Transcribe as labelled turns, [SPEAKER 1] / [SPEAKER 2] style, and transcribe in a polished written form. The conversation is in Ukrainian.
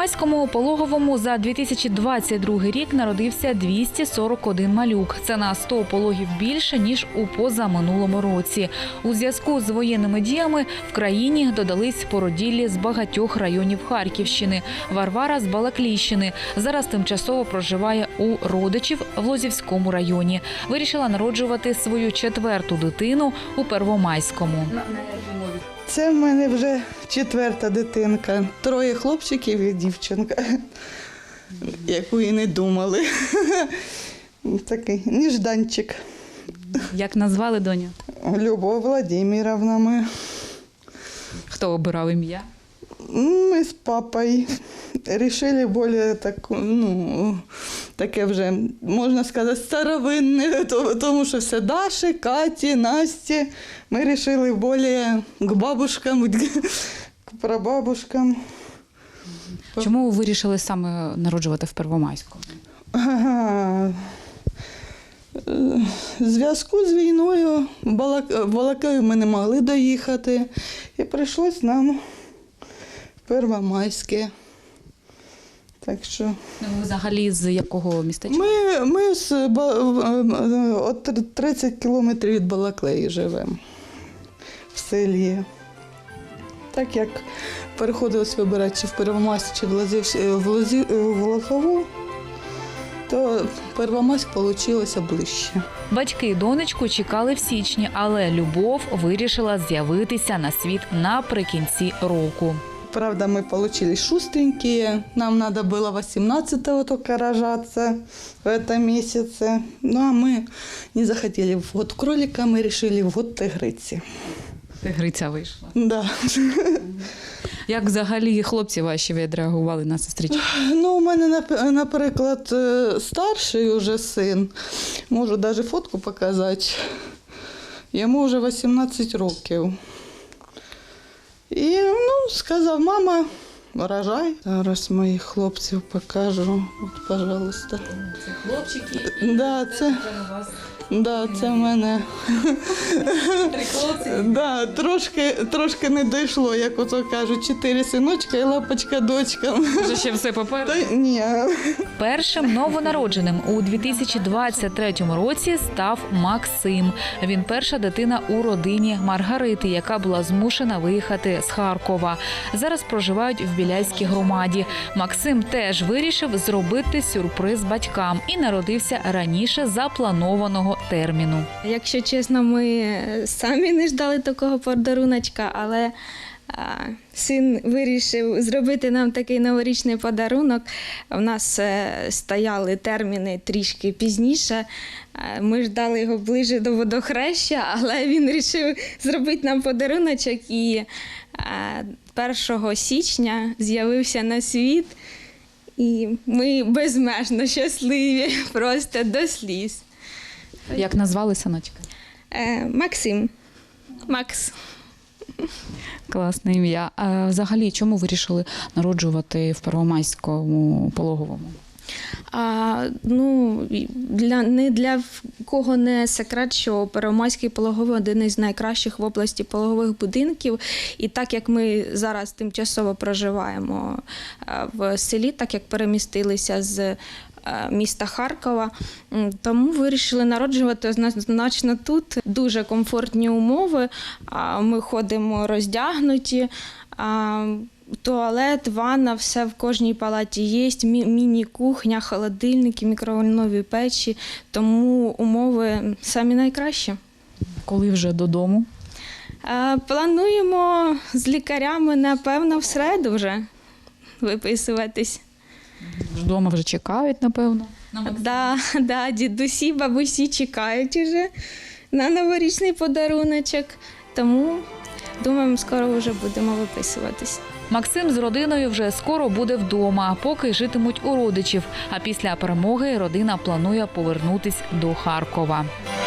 [SPEAKER 1] Первомайському пологовому за 2022 рік народився 241 малюк. Це на 100 пологів більше, ніж у позаминулому році. У зв'язку з воєнними діями в країні додались породіллі з багатьох районів Харківщини. Варвара з Балаклійщини. Зараз тимчасово проживає у родичів в Лозівському районі. Вирішила народжувати свою 4-ту дитину у Первомайському.
[SPEAKER 2] Це в мене вже 4-та дитинка. 3 хлопчиків і дівчинка, яку і не думали. Такий нежданчик.
[SPEAKER 1] Як назвали доню?
[SPEAKER 2] Любов Владимировна ми.
[SPEAKER 1] Хто обирав ім'я?
[SPEAKER 2] Ми з папою вирішили більш таке вже, можна сказати, старовинне, тому що все Даші, Каті, Насті. Ми вирішили більш к бабушкам, к прабабушкам.
[SPEAKER 1] Чому ви вирішили саме народжувати в Первомайську?
[SPEAKER 2] В зв'язку з війною в Балаклію ми не могли доїхати. І прийшлось нам в Первомайське. Так що...
[SPEAKER 1] Ви взагалі з якого містечка?
[SPEAKER 2] Ми от 30 кілометрів від Балаклеї живемо, в селі. Так як переходилось вибирати чи в Первомайськ, чи в Лозову, то Первомайськ вийшло ближче.
[SPEAKER 1] Батьки донечку чекали в січні, але Любов вирішила з'явитися на світ наприкінці року.
[SPEAKER 2] Правда, мы получились шустренькие. Нам надо было 18-го только рожаться в этом месяце. Ну, а мы не захотели в год кролика, мы решили в год тигриці.
[SPEAKER 1] Тигриця вийшла.
[SPEAKER 2] Да.
[SPEAKER 1] Як взагалі хлопці ваші відреагували на сестричку?
[SPEAKER 2] Ну, у мене, наприклад, старший уже син, можу навіть фотку показати, йому вже 18 років. І сказав, мама, рожай. Зараз моїх хлопців покажу. От, пожалуйста.
[SPEAKER 1] Це хлопчики.
[SPEAKER 2] Да, це в мене.
[SPEAKER 1] 3 хлопці.
[SPEAKER 2] Да, трошки не дійшло, як ото кажуть, 4 синочка і лапочка-дочка.
[SPEAKER 1] Вже ще все попереду?
[SPEAKER 2] Ні.
[SPEAKER 1] Першим новонародженим у 2023 році став Максим. Він перша дитина у родині Маргарити, яка була змушена виїхати з Харкова. Зараз проживають в Біляйській громаді. Максим теж вирішив зробити сюрприз батькам і народився раніше запланованого терміну.
[SPEAKER 3] Якщо чесно, ми самі не ждали такого подаруночка, але син вирішив зробити нам такий новорічний подарунок. У нас стояли терміни трішки пізніше. Ми ждали його ближче до водохреща, але він вирішив зробити нам подаруночок і 1 січня з'явився на світ. І ми безмежно щасливі, просто до сліз.
[SPEAKER 1] Як назвали синочка?
[SPEAKER 3] Максим. Макс.
[SPEAKER 1] Класне ім'я. А взагалі, чому вирішили народжувати в Первомайському пологовому?
[SPEAKER 3] Не для кого не секрет, що Первомайський пологовий – один із найкращих в області пологових будинків. І так як ми зараз тимчасово проживаємо в селі, так як перемістилися з міста Харкова, тому вирішили народжувати однозначно тут. Дуже комфортні умови, ми ходимо роздягнуті, туалет, ванна, все в кожній палаті є, міні-кухня, холодильники, мікроволнові печі, тому умови самі найкращі.
[SPEAKER 1] Коли вже додому?
[SPEAKER 3] Плануємо з лікарями, напевно, в середу вже виписуватись.
[SPEAKER 1] Вдома вже чекають, напевно?
[SPEAKER 3] Да, дідусі, бабусі чекають уже на новорічний подаруночок, тому думаємо, скоро вже будемо виписуватись.
[SPEAKER 1] Максим з родиною вже скоро буде вдома, поки житимуть у родичів. А після перемоги родина планує повернутись до Харкова.